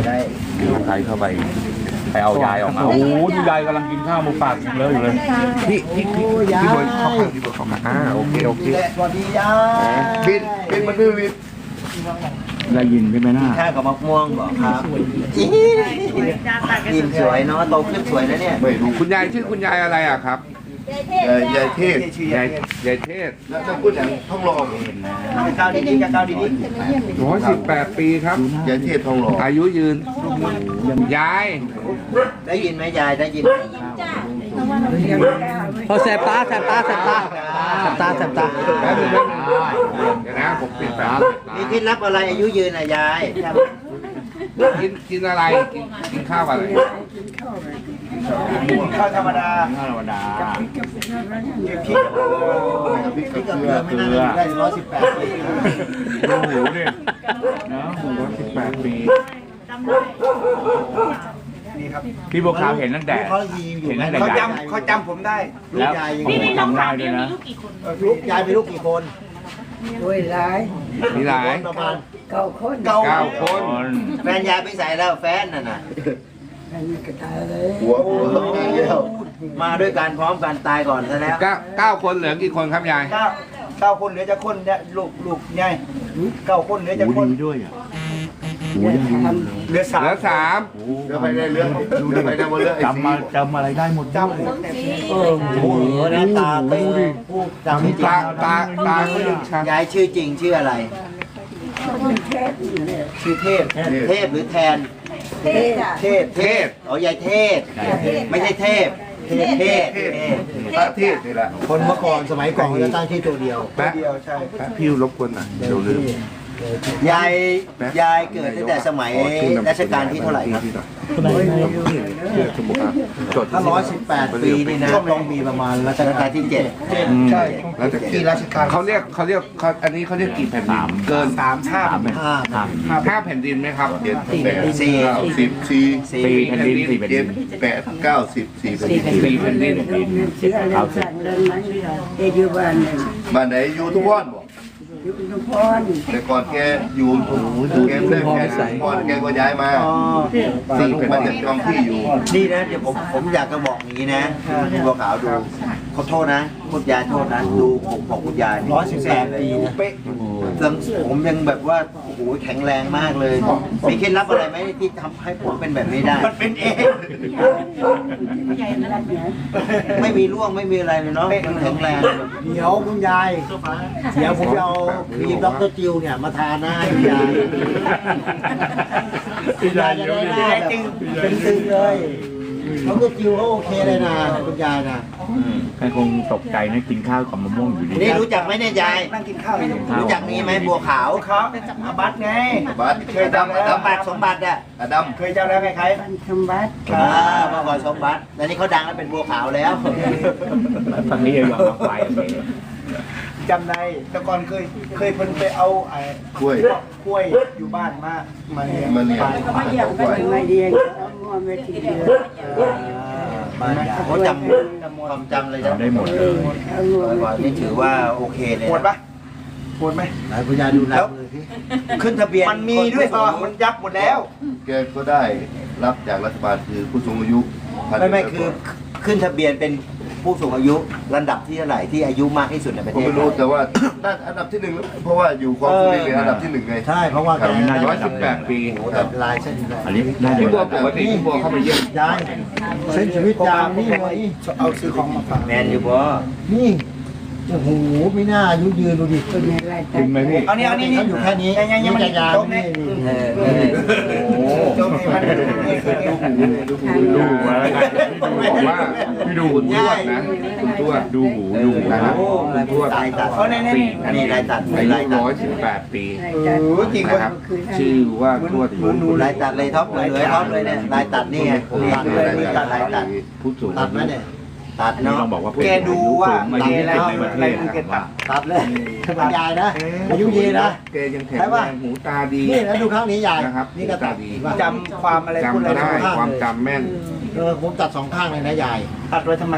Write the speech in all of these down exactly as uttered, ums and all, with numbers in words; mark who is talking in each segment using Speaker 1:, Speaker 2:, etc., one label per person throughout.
Speaker 1: ได้
Speaker 2: ใครเข้าไปไปเอายายออกมาโอ้โหดูยายกำลังกินข้าวหมูปากเลยอยู่เลยพี่พี่พี่พี่บอยเข้าข้างพี่บอยเข้าข้างอ่าโอเคโอเค
Speaker 1: สวัสดียายบินบินมาดูบิน
Speaker 2: ได้ยินใช่ไหมน้า
Speaker 1: ข้าวกับมะม่วงบอกครับกินสวยเนาะโตขึ้นสวยนะเนี่ย
Speaker 2: ไม่รู้คุณยายชื่อคุณยายอะไรอ่ะครับ
Speaker 3: ยายเทศ
Speaker 2: ยายยายเทศ
Speaker 3: แล้วจะพูดอย่างท่องรอง
Speaker 1: ก้าวดีๆกับก้าวดี
Speaker 2: ร้อยสิบแปดปีครับ
Speaker 3: ยายเทศท่องรอง
Speaker 2: อายุยืนยาย
Speaker 1: ๆได้ยินไหมยายได้ยิน
Speaker 4: พอแสบตาแสบตาแสบตาแสบตาแสบตา
Speaker 2: แป๊บนึงแป๊บนึงเดี๋ยวนะผมปิดแป๊บ
Speaker 1: มีเคล็ดลับอะไรอายุยืนอ่ะยาย
Speaker 2: กินกินอะไรกินกินข้าวอะไร
Speaker 1: ข้าวธรรมดา
Speaker 2: ข้าวธรรมดา
Speaker 1: พริกพริกกับเกลือไม่น่าจะได้ร้อยสิบแปดปี
Speaker 2: ดูหูดิเนาะหูร้อยสิบแปดปีพี่บัวขาวเห็นตั้งแต่
Speaker 1: เขายีอยู่
Speaker 2: เห็น
Speaker 1: ไหม
Speaker 2: ตั้งแต่
Speaker 1: เขา
Speaker 2: ยาย
Speaker 1: จำเขาจำผมได้ลูกยายยัง
Speaker 5: พี่ในน้อง
Speaker 2: จำได้
Speaker 5: สาว
Speaker 2: ด้ว
Speaker 5: เนี่ย ย
Speaker 2: นะ
Speaker 5: มีลูกกี่คน
Speaker 1: ลูกยายมีลูกกี่คน
Speaker 6: โอ้ยหลาย
Speaker 2: มีหลาย
Speaker 1: ประมาณ
Speaker 6: เก้าคน
Speaker 1: เก้า
Speaker 2: เก้าคน
Speaker 1: แฟนยายไปใส่แล้วแฟนน่ะน่ะ
Speaker 6: อันนี้ก็ตายเลย
Speaker 3: หัวหัวต้องมีแล้ว
Speaker 1: มาด้วยกันพร้อมกันตายก่อนซะแล้ว
Speaker 2: เก้าเก้าคนเหลือกี่คนครับยาย
Speaker 1: เก้าเก้าคนเหลือจะคนเนี่ยลูกลูกใหญ่เก้าคนเหลือจะคน
Speaker 2: ด้วยอ่ะ
Speaker 6: เดี๋ยวท
Speaker 1: เหลือสาม
Speaker 2: เหลือสาม
Speaker 3: เดี๋ยวไปได้เรื่องเดี๋ยวไปได้หมดเรื่องไอ้
Speaker 2: จำมาจำอะไรได้หมด
Speaker 1: จำโอ้โหหน้าตาเป็นผู้จำจริง
Speaker 2: ตาตาตาเขายังชัด
Speaker 1: ยายชื่อจริงชื่ออะไร
Speaker 6: ำเทศนี่แหละ
Speaker 1: ชื่อเทพเทพหรือแทน
Speaker 6: เทศอ่ะ
Speaker 1: เทพเทพอ๋อยายเทพไม่ใช่เทพเทพเทพ
Speaker 3: พระเทศนี่แหละ
Speaker 1: คนเมื่อก่อนสมัยก่อนจะตั้งที่ตัวเดียว
Speaker 2: แป๊ะ
Speaker 1: เดียวใช่
Speaker 2: แป๊ะพี่รบกวนหน่อยเดี๋ยวลืม
Speaker 1: ยายยายเกิดตั้งแต่สมัยรัชกาลที่เท่าไหร่ครับ
Speaker 2: จด
Speaker 1: ถ้าร้อยสิบแปดปีนี่นะต้องมีประมาณรัชกาลที่เจ็ด
Speaker 2: ใช่แล้วจะกี่ราชการเขาเรียกเขาเรียกเขาอันนี้เขาเรียกกี่แผ่นดินเกินสามชาติ
Speaker 1: ห้า
Speaker 2: ห้าแผ่นดินไหมครับ
Speaker 3: เจ็ดแปดเก้าสิบสี่
Speaker 1: สี่
Speaker 2: แผ่นดินสี่แผ่น
Speaker 3: เจ็
Speaker 2: ดิ
Speaker 3: ด
Speaker 2: น
Speaker 3: แปดเก้าสิบสี่เป็น
Speaker 2: สี่แผ่นดิน
Speaker 6: เสียอะไรสั่งเดินไหมเออยู่บ้านเนี่ย
Speaker 3: บ้านไหนอยู่ทุกวันบอก
Speaker 6: อยู่ทุกพร
Speaker 3: แต่ก่อนแกอยู่แกเล่นแกก่อนแกก็ย้ายมา
Speaker 1: อ๋อ
Speaker 3: สี่มันจะจองที่อยู่
Speaker 1: นี่นะเดี๋ยวผมผมอยากจะบอกอย่างนี้นะคุณบัวขาวดูขอโทษนะคุณยายโทษนะดูผมของคุณยายร้อยสิบแปดปีเป๊ะผมยังแบบว่าโอ้โหแข็งแรงมากเลยมีเคล็ดลับอะไรไหมที่ทำให้ผมเป็นแบบนี้ได้มันเป็นเองไม่มีร่วงไม่มีอะไรเลยเนาะยังแข็งแรงเดี๋ยวคุณยายเดี๋ยวผมจะเอาครีมด็อกเตอร์จิวเนี่ยมาทาหน้าคุณยายคุณยายจะได้หน้าแบบเป็นตึงเลยด็อกเตอร์จิวเขาโอเคเลยนะคุณยายนะ
Speaker 2: ใครคงตกใจนะกินข้าวกับมะม่วงอยู่ดี
Speaker 1: นี่รู้จักไหมเนี่ยยายนั่งกินข้าวรู้จักนี่ไหมบัวขาวเขาอาบัตไง
Speaker 3: บัส
Speaker 1: เคยจำสมบัติสมบัติอ่ะ
Speaker 3: อดัม
Speaker 1: เคยจำแล้วใคร
Speaker 6: บ้านคำวัด
Speaker 1: ๆอ่าเมื่อก่อนสมบัติแต่นี่เขาดังแล้วเป็นบัวขาวแล้ว
Speaker 2: ฝั่งนี้ยังยอมรับไป
Speaker 7: จำได้แต่ก่อนเคยเคยเพิ่นไปเอาไอ้
Speaker 3: กล้วย
Speaker 7: กล้วยอยู่บ้านมามาเนี่ย
Speaker 3: มันเนี่ย
Speaker 6: มาเยี่ยมกันมาเดียงเอางัวมาทีเดียว
Speaker 1: บ้านยายเขาจำความจำเลยนะ
Speaker 2: ได้หมดเลย
Speaker 6: เอางัว
Speaker 1: บ่อ
Speaker 6: มาย
Speaker 1: ๆนี่ถือว่าโอเคเลย
Speaker 7: ปวดปะปวดไหม
Speaker 1: ไหนคุณยายดูแล้วขึ้นทะเบียน
Speaker 7: มันมีด้วยพอมันยับหมดแล้ว
Speaker 3: แกก็ได้รับจากรัฐบาลคือผู้สูงอายุ
Speaker 1: ไม่ไม่คือขึ้นทะเบียนเป็นผู้สูงอายุลำดับที่เท่าไหร่ที่อายุมากที่สุดในประ
Speaker 3: ผ
Speaker 1: เท
Speaker 3: ม
Speaker 1: ศ
Speaker 3: ไม่รู้แต่ว่าน่าอันดับที่หนึ่งเพราะว่าอยู่ความสุรินทร์เป็นอันดับที่หนึ่งไง
Speaker 1: ใช่เพราะว่าแก
Speaker 2: ร้อยสิบแปดปี
Speaker 1: โอ้แต่ลายเส้นเลย
Speaker 2: อันนี้พี่บัวปกติพี่บัวเข้าไปเยี่ยม
Speaker 1: ยายเส้นชีวิตยายนี่ไง
Speaker 7: เอาซื้อของมาฝาก
Speaker 1: แมนอยู่บ่นี่โอ้โหไม่น่าอายุยืนดูดิ
Speaker 6: คนในราย
Speaker 2: จริงไหมพี่
Speaker 7: เอานี่เอานี่นี่
Speaker 1: เขาอยู่แค่นี้
Speaker 7: ยังยังยังมัน
Speaker 1: ยา
Speaker 7: โต๊ะ
Speaker 1: นี่
Speaker 7: นี่
Speaker 1: เออ
Speaker 2: โอ้
Speaker 7: โต๊ะนี่มันนี่คือ
Speaker 2: ดูหูดูหูอะไรพี่ดูบอกว่าพี่ดูคุณทวดนะคุณทวดดูหูดูหูนะ
Speaker 1: โอ้
Speaker 2: คุณทวด
Speaker 1: ลายตัด
Speaker 7: เอาในนี่
Speaker 1: อันนี้ลายตัด
Speaker 2: อายุ
Speaker 1: ลายตัด
Speaker 2: ร้อยสิบแปดปี
Speaker 6: ราย
Speaker 7: เออจริง
Speaker 2: นะครับ ชื่อว่าทวดหนู
Speaker 1: ลายตัดเลยท็อปเลยเลยท็อปเลยเนี่ยลายตัดนี่ไงนี่เลยนี่ตัดลายตัด
Speaker 2: ผู้สูง
Speaker 1: ตั
Speaker 2: อา
Speaker 1: ดไหม
Speaker 2: ยุ
Speaker 1: เนี่ยตัด
Speaker 2: นี่
Speaker 1: เนาะ
Speaker 2: ต้องบอกว่า
Speaker 7: แกดูว่า
Speaker 2: มา
Speaker 7: แก
Speaker 2: ยืน
Speaker 7: แล้ว
Speaker 2: ในประเท
Speaker 7: อะไร
Speaker 2: ศ
Speaker 7: มึงแก
Speaker 2: นะ
Speaker 7: ตัด
Speaker 1: ตัดเลยคุณยายนะอายุยืนนะ
Speaker 2: แกยังแข็งแรงหูตาดี
Speaker 1: นี่แล้วดูครั้งนี้ยาย
Speaker 2: นะครับ
Speaker 1: นี่ก็ตัด
Speaker 2: ดี
Speaker 7: จำความอะไรพูด
Speaker 2: จำ
Speaker 7: อะไร
Speaker 2: ได้
Speaker 7: ได้
Speaker 2: ความจำแม่น
Speaker 1: เออผมตัดสองข้างเลยนะยาย
Speaker 7: ตัดไว้ทำไมอ่ะ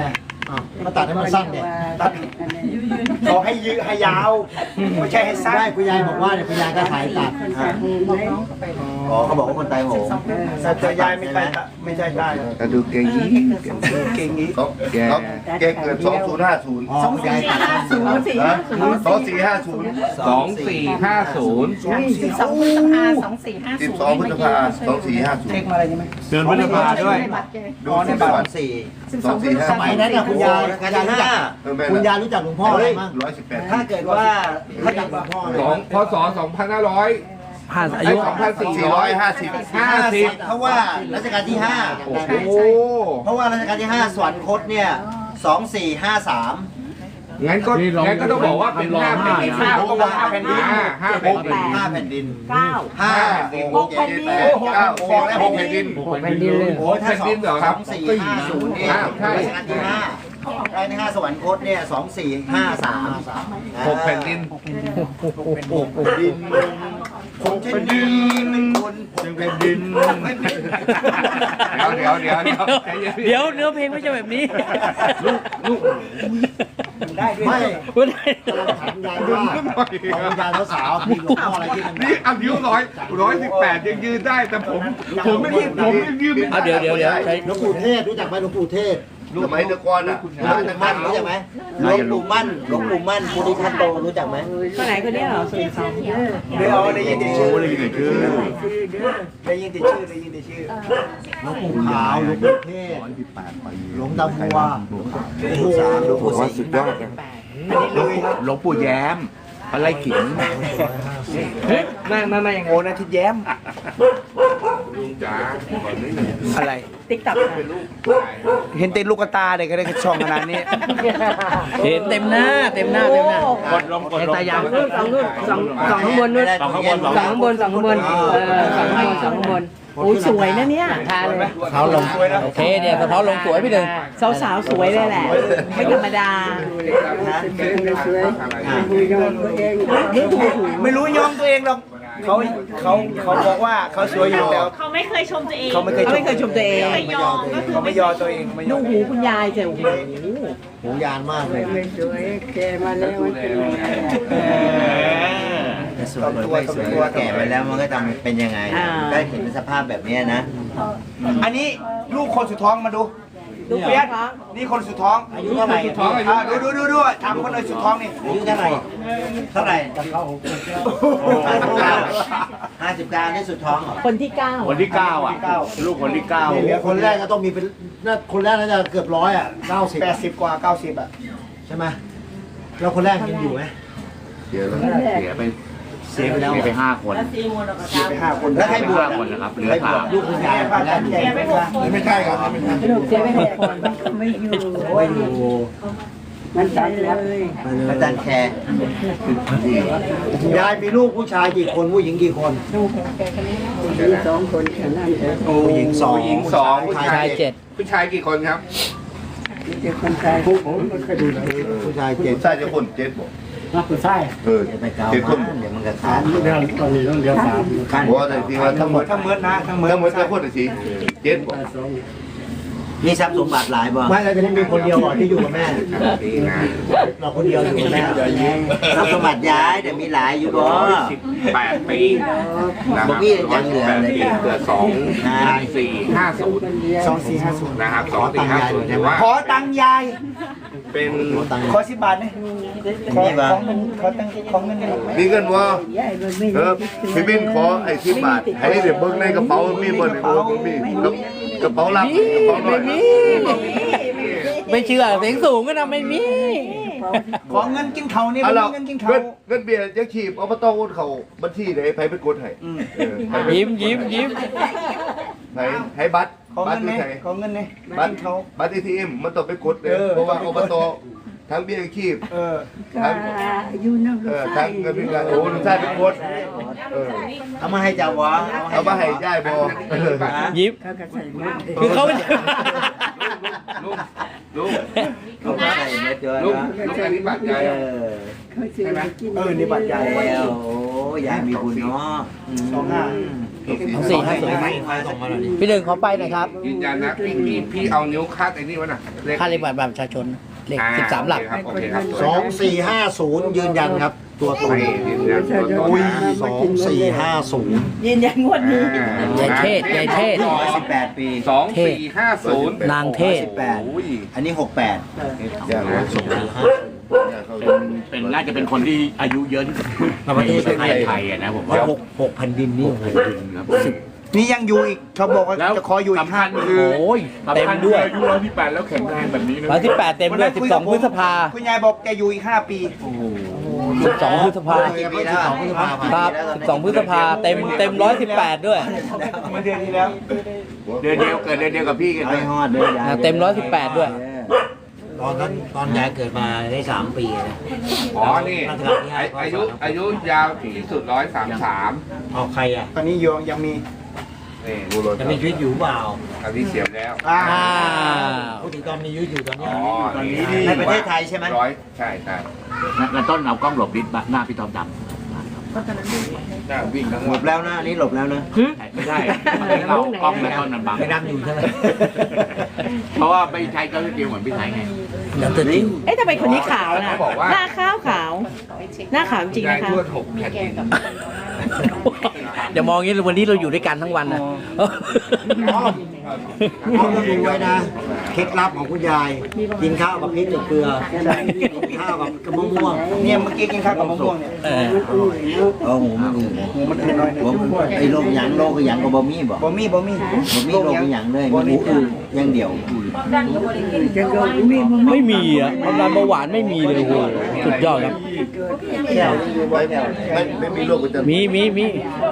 Speaker 3: มาตัดให้มันสั้นเนี่ย
Speaker 7: ตัดเขาให้ยืดให้ยาวไม่ใช่ให้สั้น
Speaker 3: ได้คุณยายบอกว่าเนี่ยคุณยายก็ถ่ายตัด
Speaker 1: อ๋อเขาบอกว่าคนตายโหง
Speaker 7: แต่เจอยายไม่ใช่ไม่ใช่ได้
Speaker 2: แต่ดูเก่งยี่
Speaker 7: เก่งนี้
Speaker 5: เขาเขาแกเกิดสองศูนย์ห้าศูนย์
Speaker 3: อ๋อคุณยายตัดสั้น
Speaker 5: สองสี่ห้าศูนย์
Speaker 2: สองสี่ห้าศูนย์
Speaker 8: สิบสองพฤษภาสองสี่ห้า
Speaker 5: สิ
Speaker 8: ศู
Speaker 5: บ
Speaker 8: นย์
Speaker 5: สองพฤษภาสองสี่ห้าศูน
Speaker 7: เช็ค
Speaker 5: ย์
Speaker 7: มาอะไรใช่ไหม
Speaker 2: เดือนพฤษภาด้วย
Speaker 5: ดูสิบ
Speaker 1: ส
Speaker 5: ส
Speaker 1: อ
Speaker 5: อง
Speaker 1: งสี่
Speaker 5: สองสี่ห้า
Speaker 3: สมัยนั้นน่ะคุณยาย
Speaker 1: รัช
Speaker 3: คุ
Speaker 1: กา
Speaker 3: ณ
Speaker 1: ล
Speaker 3: ยาย
Speaker 1: ที่
Speaker 3: รู้จั
Speaker 1: ห้าก
Speaker 3: คุณยายรู้จักหลวงพ่ออะไรบ้าง
Speaker 5: ร้อยสิบแปด
Speaker 1: ถ้าเกิดว่าถ้าจับหลวงพ่อ
Speaker 2: สองพศสองพันห้าร้อย
Speaker 4: ผ่านอา
Speaker 2: ไอ้
Speaker 4: ยุ
Speaker 2: สองพันสี่
Speaker 5: สี่
Speaker 2: ร้
Speaker 5: ร้
Speaker 2: อ
Speaker 5: อย ยห้าสิบ
Speaker 2: ห้าสิบ
Speaker 1: เพราะว่ารัชกาลที่ห้า
Speaker 2: โอ้โห
Speaker 1: เพราะว่ารัชกาลที่ห้าสวรรคตเนี่ยสองสี่ห้าสาม
Speaker 2: งั้นก็งั้นก็ต้องบอกว่าเป็นห้าแผ่นดินห้าต้องบอกห้าแผ่นดินห้าแผ่นดิน
Speaker 1: ห้าแผ่นดิน
Speaker 8: เก้า
Speaker 1: ห้า
Speaker 8: หกแผ่นดิน
Speaker 5: แปดเก้าสิบและหกแผ่นดิน
Speaker 4: แผ่นดินเลย
Speaker 1: โอ้ถ้าสองสองสี่ห้าศูนย์เนี่ย
Speaker 2: ใช่
Speaker 1: รัชกาลที่ห้ารัชกาลที่ห้าสวรรคตเนี่ยสองสี่ห้าสาม
Speaker 2: หกแผ่นดิน
Speaker 1: ดินผมเช่นดินเป็นคน
Speaker 2: แผ่นดินเดี๋ยวเดี๋ยวเดี๋ยวเดี๋ยว
Speaker 4: เดี๋ยวเนื้อเพลงไม่ใช่แบบนี้
Speaker 7: ได้ด้วย
Speaker 3: ไม่
Speaker 4: ไม่ได้
Speaker 3: ถามยายว่าของคุณยายสาวๆมีหลวงพ่ออะไรที่มัน
Speaker 2: นี่อายุร้อยร้อยสิบแปดยังยืนได้แต่ผมผมไม่ยืนผมยังยืนไม่
Speaker 4: เอาเดี๋ยวเดี๋ยวเดี๋ยวใช้
Speaker 3: หลวงปู่เทศรู้จักไหมหลวงปู่เทศ
Speaker 5: สมัยแตะกอนอ่ะ
Speaker 1: หลวงปู่มั่นรู้จักไหมหลวงปู่มั่นหลวงปู่มั่นภูริทัตโตรู้จักไหม
Speaker 8: คนไหนคนนี้เหรอสุริสอง
Speaker 7: เดี๋ยวได้ยินแต่ชื่อ
Speaker 2: ได้ยินแต่ชื่อ
Speaker 7: ได้ยินแต่ชื่อได้ยินแต่ชื่อ
Speaker 3: หลวงปู่ขาวหลวงปู่เทศหลวงตาบัว
Speaker 1: หลวงปู่สามหลวงปู่สี่
Speaker 2: สุดยอดนะหลวงปู่แย้มอะไรขิง
Speaker 7: ไม่ไม่ไม่อย่างโง่นะที่แย้ม
Speaker 2: จ้า
Speaker 7: อะไร
Speaker 8: ติ๊กต็อก
Speaker 7: เห็นเต็มลูกตาเด็กก็ได้ช่องขนาดนี้
Speaker 4: เห็นเต็มหน้าเต็มหน้าเต็มหน้าก
Speaker 2: ดลงกด
Speaker 4: ไอ้
Speaker 2: ลง
Speaker 4: ตายาง
Speaker 8: สองนู่นสองสองข้างบนนู่น
Speaker 1: สองข้างบน
Speaker 8: สองข้างบนสองข้างบนเออสองข้างบนสองข้างบนโอ้ยสวยนะเนี่ยทาเลย
Speaker 3: เขาลง
Speaker 4: โอเคเนี่ยสะท้อนลงสวยพี่หนึ่ง
Speaker 8: สาวสาวๆสวยเลยแหละ ไม่ธรรมดา
Speaker 7: ไม่รู้ยอมตัวเองหรอกเขาเขาเขาบอกว่าเขาสวยอยู่แล้ว
Speaker 8: เขาไม่เคยชมตัวเอง
Speaker 7: เขาไม่เคยชม
Speaker 8: ไม่เคยชมตัวเองไม่ยอมก็คือ
Speaker 7: เขาไม่ยอมตัวเองไม่ย
Speaker 8: ดู
Speaker 7: อม
Speaker 8: หูคุณยายเจ้าโอ้โห
Speaker 3: หูยานมากเลย
Speaker 1: แต่สวยไม่สวยว่าแก่ไปแล้วมันก็จะเป็นยังไงก็เห็นสภาพแบบนี้นะ
Speaker 7: อันนี้ลูกคนสุดท้องมาดูดูเปียกนี่คนสุดท้อง
Speaker 1: อายุเท่าไหร่
Speaker 7: อ่าดูดูดูดูถามคนเลยสุดท้องนี่
Speaker 1: อายุเท่าไหร่เท่าไหร่ห้าสิบเก้านี่สุดท้องเหรอ
Speaker 8: คนที่เก้า
Speaker 2: คนที่เก้าอ่ะลูกคนที่เก้า
Speaker 3: คนแรกก็ต้องมีเป็นน่าคนแรกน่าจะเกือบร้อยอ่ะเก้าสิบ
Speaker 7: แปดสิบกว่าเก้าสิบอ่ะ
Speaker 3: ใช่ไหมแล้วคนแรกยังอยู่ไหม
Speaker 5: เดี๋ยวแล้ว
Speaker 2: เสียไป
Speaker 1: เสียไปแล้ว
Speaker 2: เสียไปห้าคน
Speaker 7: ไปห้าคน
Speaker 1: แล้วใครบวช
Speaker 2: ห้าคนนะครับเหลือ
Speaker 1: ใครบ
Speaker 2: สาว
Speaker 1: ช
Speaker 2: ม
Speaker 1: ลูกคุณยายคนแรกอยู่
Speaker 7: แกไม่พอ
Speaker 5: ไม่ใช่ครับไม่ใช่
Speaker 8: เสียไปหกคนไม่อยู่
Speaker 3: ไม่อยู่
Speaker 8: มันตัดเลย
Speaker 1: อาจารย์แคร์
Speaker 3: ยายมีลูกผู้ชายกี่คนผู้หญิงกี่คน
Speaker 6: สองคนแค่นั้นเอง
Speaker 3: ผู้หญิงสอง
Speaker 2: ผู้หญิงสองผู้
Speaker 4: ชา
Speaker 2: ชาย ย
Speaker 4: เจ็ด
Speaker 2: ผู้ชายกี่คนครับ
Speaker 6: มีแต่คนชายผู้ผมไม่เคยดูเลย
Speaker 3: ผู้ชาย
Speaker 5: เจ็
Speaker 3: เจ็
Speaker 5: ด
Speaker 3: ด
Speaker 5: ใช่จะคนเจ็ดบอก
Speaker 6: นักผู้ชาย
Speaker 5: เออ
Speaker 1: เดี๋ยวไปเกา
Speaker 5: เจ็ดคน
Speaker 1: เดี๋ยวมันกระทาน
Speaker 6: เรื่องตอนนี้ต้องเรียนสาม
Speaker 5: บอกว่าแต่ที่ว่าทั้งหมด
Speaker 7: ทั้งเมิดนะทั้งเมิด
Speaker 5: ทั้งหมดจะคนสิเจ็ดบอก
Speaker 6: สอง
Speaker 1: มีทรัพย์สมบัติหลายบ่
Speaker 3: ไม่เราจะมีคนเดียวก่อนที่อยู่กับแม่เราคนเดียวอยู่กับแม่
Speaker 1: ทรัพย์สมบัติย้ายเดี๋ยวมีหลายอยู่บ่
Speaker 2: สิบแปดปีนะครับ
Speaker 1: บอกพี่ยังเหลืออะไรอีก
Speaker 2: เหลือสองสี่ห้าศูนย์
Speaker 7: สองสี่ห้าศูนย์
Speaker 2: นะครับสองสี่ห้าศูนย์ถือว่า
Speaker 7: ขอตังค์ยาย
Speaker 2: เป็น
Speaker 7: ขอสิบบาทนี่ขอของเงินขอตังค์ของเงินนี่
Speaker 5: มีเงินว่า
Speaker 6: ใหญ่มันไม่
Speaker 5: เออพี่บินขอไอ้สิบบาทให้เดี๋ยวเบิ้งในกระเป๋ามีบ่ในกระเป๋ามีกระเป๋าลับกระเป๋าหน่อย
Speaker 4: ไม่เชื่อเสียงสูงก็นะไม่มี
Speaker 7: ขอเงินกินเขานี่
Speaker 5: เอา
Speaker 7: ไม่
Speaker 5: เรา
Speaker 7: มีเงินกิน
Speaker 5: เงิ
Speaker 7: เขา
Speaker 5: นเงินเบียร์ยังขีบอบตโอนเขาบัญชีไหนไผไปกดให้เออไผไป
Speaker 4: ยิ้มยิ้มยิ้ม
Speaker 5: ไผให้บัตร
Speaker 7: ขอ
Speaker 5: บั
Speaker 7: เงิ
Speaker 5: ตร
Speaker 7: น
Speaker 5: ที่
Speaker 7: นี่
Speaker 5: ไหน
Speaker 7: ขอเงินนี่
Speaker 5: บัตร
Speaker 7: เขา
Speaker 5: บัตร เอ ที เอ็ม มันต้องไปกดเลย
Speaker 7: เออ
Speaker 5: เพราะว่าอบตทั้งเบี้ยขีบ
Speaker 7: เออ
Speaker 5: ทั้ง
Speaker 6: อยู่น้ำ
Speaker 5: เอ
Speaker 6: ลูก
Speaker 5: อ
Speaker 6: ชา
Speaker 5: ทั้
Speaker 6: ย
Speaker 5: งเงินพิการโอ้ลุงชายเป็นกดเออ
Speaker 1: เอามาให้เจ้าวะ
Speaker 5: เอามาให้ย่ายบอเออ
Speaker 4: ยิ้ม
Speaker 6: เขาก็ใส่หมด
Speaker 4: คือเขาไม่
Speaker 2: ลูกลูก
Speaker 1: เอามาใส่เม็ดเจอ
Speaker 2: ลูก
Speaker 1: แล้ว
Speaker 2: ลูกอันนี้บัตรยาย
Speaker 1: เออ
Speaker 2: ใช่ไหม
Speaker 7: เออนี่บัตรใหญ่
Speaker 1: แล้วโอ้ยายมีบุญเนาะ
Speaker 7: สองห้า
Speaker 4: สองสี่ห้าศูนย์พี่หนึ่งขอไปหน่อยครับ
Speaker 2: ยืนยันนะพี่พี่พี่เอานิ้วคาดไอ้นี่ไว้น่ะเลข
Speaker 4: ค่าเลขบัตรประชาชนเลข
Speaker 2: อ่
Speaker 4: สิบสามหลัก
Speaker 2: โอเคครับ
Speaker 3: สองสี่ห้าศูนย์ยืนยันครับ ตัวตรง
Speaker 2: ไม่ยืนยันตัวตน
Speaker 3: อุ้ย
Speaker 2: นะ
Speaker 3: สองสี่ห้าศูนย์
Speaker 8: ยืนยันงวดนี้
Speaker 4: ยายเทศยายเทศ
Speaker 1: ร้อยสิบแปดปี
Speaker 2: สองสี่ห้าศูนย์
Speaker 4: นางเทศ
Speaker 1: สิบแปด
Speaker 2: โอ้ย
Speaker 1: อันนี้หกแปด
Speaker 5: อย่างร้อยสองห้า
Speaker 9: เป็นน่าจะเป็นคนที่อายุเยอะที่สุดในประเทศไทยอะนะผมว่า
Speaker 3: หกหกพันดินนี่
Speaker 9: ครับ
Speaker 7: นี่ยังอยู่อีกเขาบอกว่า
Speaker 9: แล้ว
Speaker 7: จะขออยู่อีก
Speaker 9: สำ
Speaker 7: ห้า
Speaker 9: คัญ
Speaker 7: ปี
Speaker 9: คือ
Speaker 4: โอ้ยเต็มด้วย
Speaker 9: อายุร้อยที่แปดแล้วแข็งแรงแบบนี้นะ
Speaker 4: วันที่แปดเต็มด้วยสิบสองพฤษภา
Speaker 7: คุณยายบอกจะอยู่อีกห้าปี
Speaker 4: สิบสองพฤษภา
Speaker 1: กี่ปีแล้ว
Speaker 4: ครับสิบสองพฤษภาเต็มเต็มร้อยสิบแปดด้วย
Speaker 7: เมื่อเดือนที่แล้ว
Speaker 9: เดือนเดียวเกิดเดือนเดียวกับพี่กันเล
Speaker 1: ไม่
Speaker 9: ย
Speaker 1: ฮอดเลยยาย
Speaker 4: เต็มร้อยสิบแปดด้วย
Speaker 3: ตอนนั้นตอนยายเกิดมาได้สามปีนะ
Speaker 2: อ๋อนี่อายุอายุยาวที่สุดร้อยสามสาม
Speaker 3: เอาใครอ่ะ
Speaker 7: ตอนนี้ยังยังมี
Speaker 2: นี่
Speaker 3: จะมีชีวิตอยู่เปล่า
Speaker 2: อันนี้เสียบแล้ว
Speaker 7: อ่า
Speaker 4: อ้าว
Speaker 3: พูดถึงตอนมีชีวิตอยู่ตอนเนี้
Speaker 2: อ๋
Speaker 3: ย
Speaker 2: อนี่
Speaker 1: ในประเทศไทยใช่ไหม
Speaker 2: ร้อยใช่ใช่
Speaker 9: แล้วต้นเอากล้องหลบดิหน้าพี่ทอมด
Speaker 2: น่าวิ่งทั้ง
Speaker 1: หล
Speaker 2: วัน
Speaker 1: บแล้วนะอันนี้หลบแล้วนะ
Speaker 9: ำไม่ใช่เรากล้องแล้วต้นมันบัง
Speaker 3: ไปดำอยู่ใช่ไหม
Speaker 9: เพราะว่าไม่ใช่ก็เดียวเหมือนพี่ไทยไง
Speaker 4: เดี๋ยวตัวจริง
Speaker 8: เอ๊ะทำไมคนนี้ขาวนะหน้าขาวขาว หน้าขาวจริง
Speaker 2: ยาย
Speaker 8: นะคะ
Speaker 2: ทวดหกแผ่นดิน
Speaker 4: เดี๋ยวมองอย่างนี้วันนี้เราอยู่ด้วยกันทั้งวันนะ
Speaker 3: เอาต้องดูไว้นะเคล็ดลับของคุณยาย กินข้าวกับพริกกับเกลือกินข้าวกับกระมะม่วง
Speaker 7: เนี่ยเมื่อกี้กินข้าวกับมะม่วงเนี่ย
Speaker 4: เออ
Speaker 1: เออหูมันอืดนะ
Speaker 7: หูมันเป็นน้อยนึง
Speaker 1: ผมไอ้โรคหยังโรคหยังก็บ่มีบ่
Speaker 7: บ่มีบ่มี
Speaker 1: บ่มีโรคหยังเลยมีหูอืดอย่างเดียว
Speaker 4: ไม่มีอ่ะความดันเบาหวานไม่มีเลยโอ้โหสุดยอดครับ
Speaker 1: แก้วอยู่บ่แก้ว
Speaker 5: ไม่ไม่มีโรคประจำ
Speaker 4: มีมีมี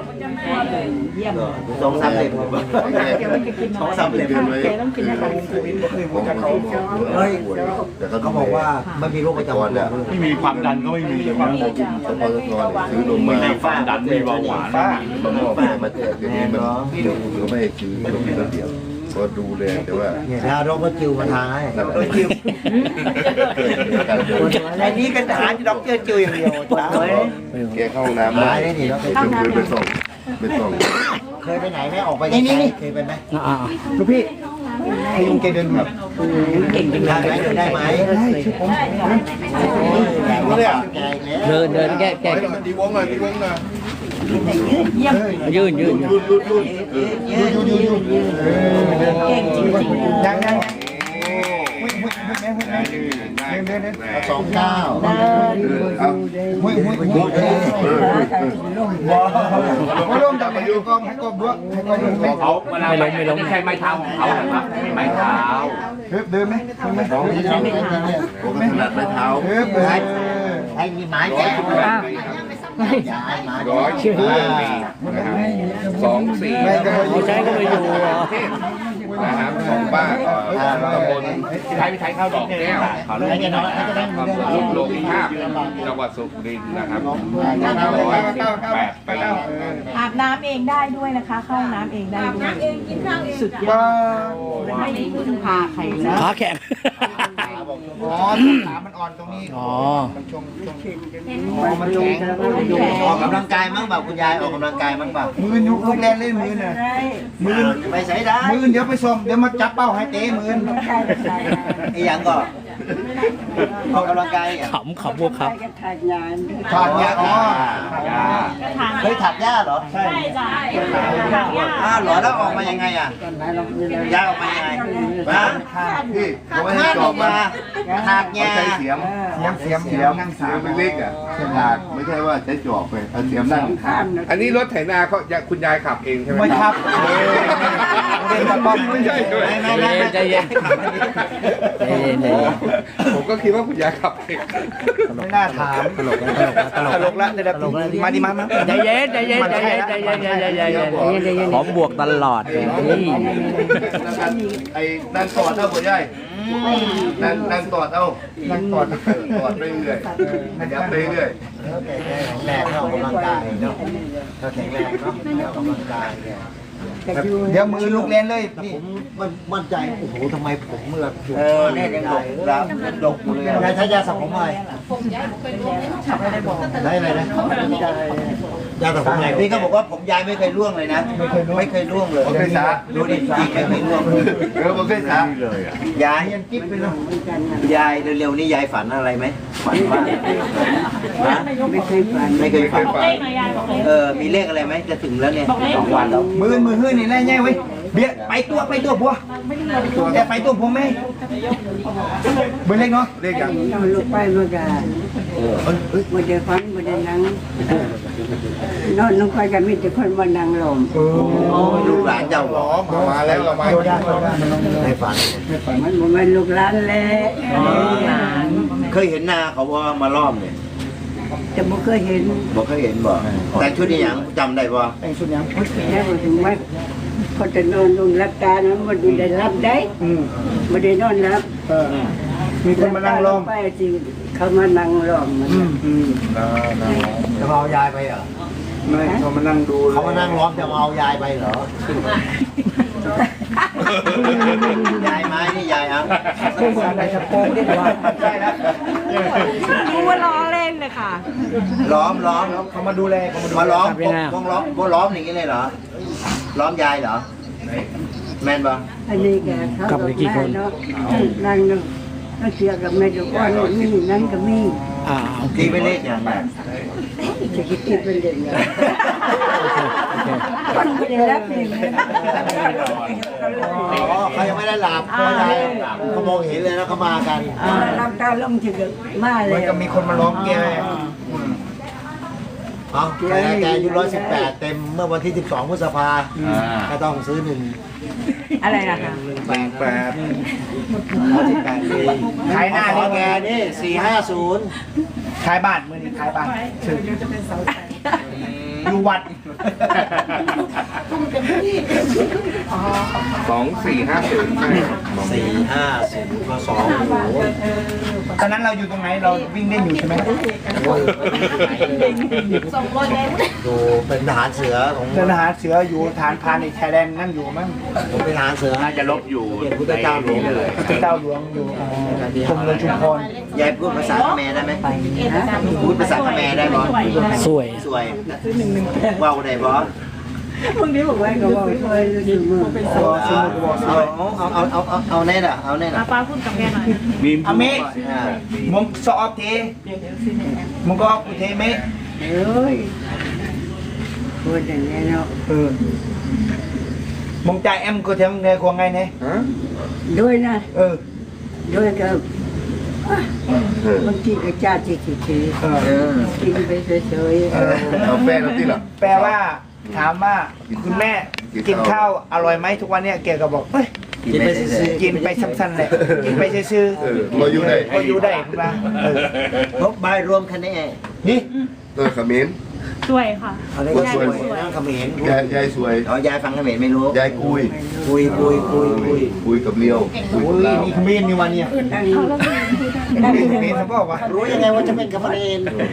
Speaker 1: สองสามเล่มสองสามเล่ม
Speaker 5: ไว้คือผมเขา
Speaker 3: เฮ้ย
Speaker 5: แต่ก็
Speaker 3: เขาบอกว่าไม่มีโรคประจำตัวเลย
Speaker 9: ไม่มีความดันก็ไม่มี
Speaker 5: สปอร์ตซื้อนมมา
Speaker 9: ไม่มีความดันไม่มีเบาหวาน
Speaker 7: ป้า
Speaker 5: มามอบมาแจกอย่างนี้มันเขาไม่ให้ซื้อเขามีระเบียบก็ดูแลแต่ว่า
Speaker 3: เนี่ยถ้าโรคก็จิวมาทางให้
Speaker 5: นั่นแหละ
Speaker 7: ในนี้เป็นทหารที่ด็อกเตอร์จิวอย่างเดียวจ้า
Speaker 5: แกเข้าห้องน้ำ
Speaker 3: ตายได้ดิเราเคย
Speaker 5: จนคืนไปส่งไปส่ง
Speaker 3: เคยไปไหนไหมออกไปไหนเคยไปไหม
Speaker 4: อ่า
Speaker 7: ลูกพี่พยุงแกเดินแบบ
Speaker 3: เก่งได้ไหมเดินได้ไหม
Speaker 7: เรื่อง
Speaker 4: เดินเดินแก้แก้
Speaker 5: ตีวงหน่อยตีวงหน่อย
Speaker 4: ยืนยืน
Speaker 5: รุ่นรุ่นรุ่นเออ
Speaker 8: เก่งจริงๆ
Speaker 7: ยังยัง
Speaker 5: โอ้
Speaker 7: หุ้ยหุ้ยหุ้ยแม่หุ้ยแม่เดินเดินเดิน
Speaker 3: สองเก้า
Speaker 5: เอา
Speaker 7: หุ้ยหุ้ยหุ้ยว้าวมาลงจากไหนกองให้กองด้วยให้กองด้วย
Speaker 9: เขาเวลาไม่ล้มไม่ใช่ไม้เท้าของเขานะครับไม่ไม้เท้า
Speaker 7: เฮ้ยเดินไหมเดินไหม
Speaker 5: ผมก็ถนัดไม้เท้า
Speaker 7: เฮ้ยเดิน
Speaker 3: ให้มีไม้แก้ว
Speaker 2: ร้อย
Speaker 3: ย้ายมา
Speaker 5: ร้อยสี่นะครับสองสี่
Speaker 4: เขาใช้ก็ไปอยู่อ่ะ
Speaker 2: นะครับของบ้านตำบลพี่ไทยพี่ไทยเข้าดอกแก้วเขาลูกอำเภอลูกโลกิภาพจังหวัดสุรินทร์นะครับร้อยสิบแปดปี
Speaker 8: อาบน้ำเองได้ด้วยนะคะ เข้าห้องน้ำเองได้ด้วยสุดยอ
Speaker 7: ว้า
Speaker 8: ดไม่ได้พึ่งพาใครนะ
Speaker 4: ขาแข็ง
Speaker 7: อ๋อขามันอ่อนตรงนี้
Speaker 4: อ๋อ
Speaker 7: มันชงชงอ๋อมันแข็ง
Speaker 1: ออกกำลังกายมั้งเปล่าคุณยายออกกำลังกายมั้งเปล่า
Speaker 7: มือยุกลูกแรนเล่นมือน่ะมือ
Speaker 1: ไปใช้ได้
Speaker 7: มือเดี๋ยวไปส่งเดี๋ยวมาจับเป้าให้เตะมือ
Speaker 1: ไอ้หยังก็ออกกำลังกายอ่ะ
Speaker 4: ขำขำพวกครับ
Speaker 7: ถอดยาอ๋อ
Speaker 1: เคยถักหญ้าเหรอ
Speaker 7: ใช่
Speaker 1: อ้าวเหรอแล้วออกมายังไงอ่ะหญ้าออกมายังไงฮะ
Speaker 5: พี่เขาไม่ให้
Speaker 1: ถ้า
Speaker 5: จ
Speaker 1: อ
Speaker 5: อ
Speaker 1: อบ ก
Speaker 5: มา
Speaker 1: มาถักห
Speaker 5: เขา
Speaker 1: ญ้า
Speaker 5: ใช้เสียม
Speaker 7: เสียมเสียม
Speaker 5: เสี
Speaker 7: เสี
Speaker 5: ย
Speaker 7: ย
Speaker 5: ม
Speaker 7: มนั่ง
Speaker 5: เสี
Speaker 7: สาย ม
Speaker 5: มเล็กๆอ่ะถากไม่ใช่ว่าใช้จอบไปเอาเสียมนั่งถาก
Speaker 2: อันนี้รถไถนาเขาคุณยายขับเองใช่ไหม
Speaker 7: ไม่ครับเดินมาป้อม
Speaker 2: ไม่ใช่ด้วย
Speaker 1: ไม่ไม่ไม่
Speaker 4: ใจเย็นใจเย็นใจ
Speaker 2: อ๋อ
Speaker 4: เย็น
Speaker 2: ผมก็คิดว่าคุณยายขับเอง
Speaker 7: ไม่น่าถาม
Speaker 4: ตลกนะตลกนะ
Speaker 7: ตลกละเดี๋ยวมาดิมามา
Speaker 4: ใจเย็นใจเย็นใจเย็นใจเย็นใจเย็นใจเย็นใจเย็นขอบวกตลอดนี่
Speaker 5: ไอ้นั่งตอดเอาหัวใหญ่นั่งนั่งตอดเอา
Speaker 7: นั่งกอด
Speaker 5: ตอดไปเรื่อยขยับไปเรื่อย
Speaker 3: แข็งแรงออกกำลังกายเนาะก็แข็งแรงเนาะออกกำลังกายเนี่ย
Speaker 7: เดี๋ยวมือลูกเล่นเลย
Speaker 3: ผมมันมั่นใจโอ้โหทำไมผมเมื่อ
Speaker 1: เออเนี่ยยังดกรับยังดกอยู่เลย
Speaker 3: ยายใช้ยาสระผมอะไรได้อะไรนะยาสระผมอะไร
Speaker 1: นี่เขาบอกว่าผมยายไม่เคยร่วงเลยนะ ไม่เคยร่วงเลย
Speaker 5: โอเคสา
Speaker 1: ดูดิจริงไม่เคยร่วงเลย
Speaker 5: เออโอเคสาย
Speaker 1: ายยังกิ๊บไปเลยยายเร็วๆนี่ยายฝันอะไรไหมฝันว่าฮะ
Speaker 6: ไม่เคยฝัน
Speaker 1: ไม่เคยฝัน
Speaker 2: เลขหน่อยยายบอกเลข
Speaker 1: เออมีเลขอะไรไหมจะถึงแล้วเนี่ย
Speaker 2: บอกเลข
Speaker 1: สองวันแล้ว
Speaker 7: มือมือหื้อนี่แน่แน่เว้ยเบี้ยไปตัวไปตัวบัวแต่ไปตัวผมไม่เบอร์เล็กเนาะ
Speaker 5: เลขยัง
Speaker 6: นอนลงไปเมื่อกี้มาเจอฟันมาเจอนังนอนลงไปกันมีแต่คนมานั่งลม
Speaker 1: โอ้ลูกหลานเจ้า
Speaker 5: หรอมามาแล้วเรามา
Speaker 7: โดได้โดได้มัน
Speaker 3: ในฝัน
Speaker 6: มันบ่แม่นลูกหลานแหละ
Speaker 1: เคยเห็นนาเขาว่ามาล้อมเนี่ย
Speaker 6: แต่บ่เคยเห็น
Speaker 1: บอกเคยเห็นบ่แต่ชุดนี้ยังจำได้บ่
Speaker 7: แต่งชุดยัง
Speaker 6: แค่บ่ถึงว่าคนจะนอนลงรับตานะมันดูได้รับได้
Speaker 7: อืม
Speaker 6: บ่ได้นอนรับ
Speaker 7: เออมีคนมานั่งล้อม
Speaker 6: ไปจริงเขามานั่งล้อมมัน
Speaker 7: อืมอืม
Speaker 3: จะมาเอายายไปเหรอ
Speaker 7: ไม่เขามานั่งดู
Speaker 3: เขามานั่งล้อมจะมาเอายายไปเหรอย
Speaker 1: ายไม้นี่ยายเอา
Speaker 7: อะไรจะโป้งได้ว่าใช่แล้ว
Speaker 8: รู้ว่าล้อเล่นเลยค่ะ
Speaker 1: ล้อมล้อม
Speaker 7: เขามาดูแลเขามาดู
Speaker 1: มาล้อมพวกล้อมพวกล้อมอย่างนี้เลยเหรอล้อมยายเหรอแม่นบ่
Speaker 6: อันนี้แกเขาก็มาเนาะนั่งเนาะก็เสียกับแม่ลูกอ่อนนี่นั่นก็มี
Speaker 4: อ่า
Speaker 1: ตีไปเลขอย่างไร
Speaker 6: จะคิดคิดเป็นเด็กนะมันไม่ได้รับเองนะ
Speaker 3: อ๋อเขายังไม่ได้หลับเพราะยายเขามองเห็นเลยนะเขามากัน
Speaker 6: น้ำตาลงถึงมาเล
Speaker 7: มัน
Speaker 6: ย
Speaker 7: ก็มีคนมาล้อมแก
Speaker 3: เอาแต่แกอายุร้อยสิบแปดเต็มเมื่อวันที่สิบสองพฤษภาก็ต้องซื้อหนึ่ง
Speaker 8: อะไรนะคะ
Speaker 3: หนึ่งแปดแปดร้อยสิบแปดปี
Speaker 7: ขายหน้า
Speaker 3: ขอ
Speaker 7: นี่
Speaker 3: แกนี่สี่ห้าศูนย์
Speaker 7: ขายบ้านมือนี้ขายบ้านชื่ออยู่วัด
Speaker 2: สองสี่ห้าศูนย์
Speaker 3: สี่ห้าศูนย์ก็สองโอ้โห
Speaker 7: ตอนนั้นเราอยู่ตรงไหนเราวิ่งเล่นอยู่ใช่ไหม
Speaker 3: ดูเป็นทหารเสือของ
Speaker 7: เดินทหารเสืออยู่ฐานพรานในชายแดนนั่นอยู่มั้ง
Speaker 3: ผมเป็นทหารเสือ
Speaker 9: น่าจะลบอยู่
Speaker 3: เกียรติพุทธเจ้าหลวง
Speaker 9: ในนี้เลย
Speaker 7: พระเจ้าหลวงอยู่อ๋อกรมหลวงชุมพร
Speaker 1: ยายพูดภาษาเขมรได้ไหมพูดภาษาเขมรได้บ่
Speaker 4: สวย
Speaker 1: สวยว่าวได้บ่
Speaker 6: พวกนี้บอกว่าก็บอกช่วยอยู่มือ
Speaker 1: เอาเอาเอาเอาเอาเอาแน่น่ะเอาแน่น่ะ
Speaker 8: ป้าพูดกับแกหน่อย
Speaker 9: มี
Speaker 7: อเมะ
Speaker 1: อ่า
Speaker 7: มึงสอบเทมึงก็กูเทเมะ
Speaker 6: เอ้ยพูดอย่างนี้เนาะ
Speaker 7: เออมึงจ่ายแอมกูเทมึงไงควงไงเนี่ย
Speaker 6: ด้วยนะ
Speaker 7: เออ
Speaker 6: ด้วยก็บางทีก็จ้าจีจีจี
Speaker 7: เออ
Speaker 1: เออ
Speaker 6: กินไปเฉย
Speaker 7: เออ
Speaker 5: เอาแป้งแล้วที่หลัง
Speaker 7: แปลว่าถามว่าคุณแม่กินข้าวอร่อยไหมทุกวันเนี้ยแกก็บอกเฮ้ย
Speaker 1: กินไปเฉย
Speaker 7: กินไปสั้นๆแหละกินไปซื่อ
Speaker 5: เออมาอยู่ไหน
Speaker 7: ๆก็อยู่ได้คุณป้าเออ
Speaker 1: ๆพบใบรวมคะแนน
Speaker 7: นี่
Speaker 5: เออเขมิ้น
Speaker 8: สวยค่ะ
Speaker 3: อะไรก็สวยนั่งเขมร
Speaker 5: ยายยายสวย
Speaker 1: อ๋อยายฟังเขมรไม่รู้
Speaker 5: ยายกุย
Speaker 3: คุยคุยคุยคุย
Speaker 5: คุยกับเลียวคุย
Speaker 7: โอ้
Speaker 5: กับ
Speaker 7: ย
Speaker 5: ลาว
Speaker 7: มีขมิ้นนี่วันเนี้ย
Speaker 6: ๆนั่ง
Speaker 7: นั่นมีขมิ้นเขาบอกว่า
Speaker 3: รู้ยังไงว่าจะเป็นเขมร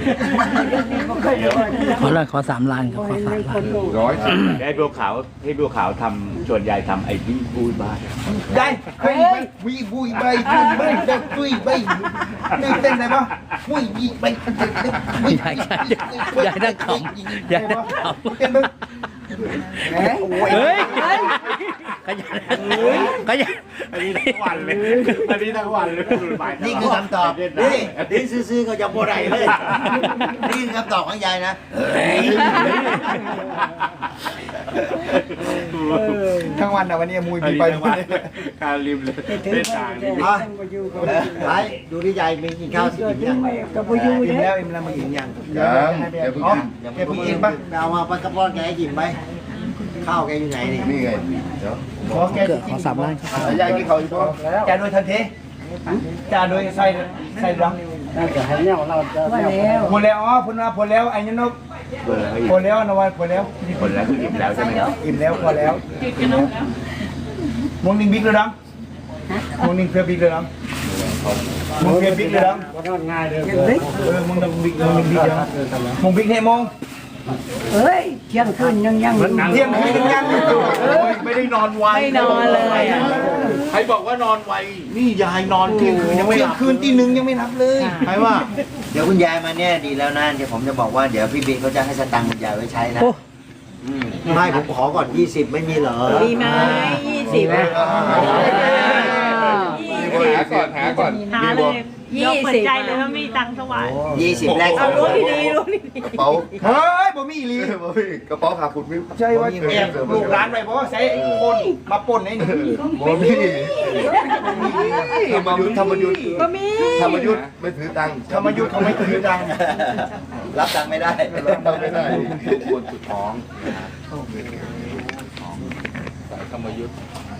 Speaker 4: ขอเลยขอสามล้านครับขอสามล้าน
Speaker 2: ร้อยสิบ
Speaker 9: ให้บัวขาวให้บัวขาวทำชวนยายทำไอ้ที่พูดบ้าน
Speaker 7: ได้เฮ้ยวีบุยใบบุยใบเด็กบุยใบนี่เต้นอะไรปะบุยยีใบ
Speaker 4: ยายยายนั่งขำยายนั่งขำ
Speaker 7: เต้นมึง
Speaker 6: เฮ้ย
Speaker 4: เฮ้ยขยันขยัน
Speaker 9: อันนี้ทั้งวันเลยอันนี้ทั้งวันเลย
Speaker 1: นี่คือคำตอบนี่นี่ซื่อๆก็จะโบไรเลยนี่คือคำตอบของยายนะ
Speaker 7: ทั้งวันนะวันนี้มุยบีไปทุกวัน
Speaker 9: การริมเลยเล่นต่างนี่
Speaker 3: อ่ะไปดูที่ยายมีกินข้าวสิกินยัง
Speaker 6: ก็บ่อยู่
Speaker 7: อิ่ม
Speaker 6: เด้
Speaker 7: แล้วอิ่มแล้วมึงอิ่มยัง
Speaker 5: ยังอย่าเพิ่ง
Speaker 7: อ๋อ
Speaker 5: กิน
Speaker 7: แกเพิ่งอิ่มปะ
Speaker 3: เอามาปลากระป๋องแกให้กินไปข้าวแกอยู่ไหนนี่
Speaker 5: นี่ไงเดี๋ยว
Speaker 7: ขอแก
Speaker 4: เกิดขอสามล้านครับ
Speaker 5: ยายกินข้าวอีกบ่
Speaker 7: จ่าโดยทันทีจ่าโดยใส่ใส่รัง
Speaker 6: เราจะให้แนวเราจะว่าแล้ว
Speaker 7: ผลแล้วอ๋อผลว่าผลแล้วไอ้ยันนก
Speaker 9: เบอร์ให้
Speaker 7: ผลแล้วนวันผลแล้ว
Speaker 9: คนแล้วคืออิ่มแล้วใช่ไหมครับ
Speaker 7: อิ่มแล้วพอแล้วมงนิงบิ๊กเลยดังมงนิงเพื่อบิ๊กเลยดังมงเพื่อบิ๊กเลยดัง
Speaker 6: ยังบิ๊ก
Speaker 7: เออมงนิงบิ๊กมงนิงบิ๊กเลยดังมงบิ๊กให้มง
Speaker 6: เอ้ยเที่ยงคืนยังยัง
Speaker 7: เที่ยงคืนยังยังอยู่ไม่ได้นอนไว
Speaker 8: ไม่นอนเลยอะ
Speaker 5: ใครบอกว่านอนไวนี่ยายนอนเที่ยงคืนยังไม่
Speaker 7: เที่
Speaker 5: ห
Speaker 7: ยง
Speaker 5: ลับ
Speaker 7: คืนตีหนึ่งยังไม่รับเลย
Speaker 5: ใครว่า
Speaker 1: เดี๋ยวคุณยายมาเนี่ยดีแล้วนะเดี๋ยวผมจะบอกว่าเดี๋ยวพี่บินเขาจะให้สตังค์คุณยายไว้ใช้นะอืม
Speaker 3: ไม่ผมขอก่อนยี่สิบไม่มีเหรอ
Speaker 8: มีไหมยี่สิบ
Speaker 2: หาก่อนหาก่อน
Speaker 10: หาเลย
Speaker 8: ยี่
Speaker 10: ยกเปิด
Speaker 8: สิบ
Speaker 10: ใจเลยว่ามีตังค์ถวาย
Speaker 1: ยี่สิบแรก
Speaker 8: เอารู้ดีๆรู้ดี
Speaker 5: กระเป๋า
Speaker 7: เฮ้ยบ่มีอีหลี
Speaker 5: กระเป๋าขาคุณมิว
Speaker 7: ใช่ว่าแอบลูกหลานไปเพราะว่าใช้คนมาป่นไอ้นี่
Speaker 5: บ่มีธรรมยุทธ์ธรรมยุทธ์
Speaker 8: ๆก็มี
Speaker 5: ธรรมยุทธ์ไม่ถือตังค์
Speaker 7: ธรรมยุทธ์เขาไม่ถือดัง
Speaker 1: รับตังค์ไม่ได้
Speaker 5: รับตังค์ไม่ได้
Speaker 2: ควรสุดท้องสายธรรมยุทธ์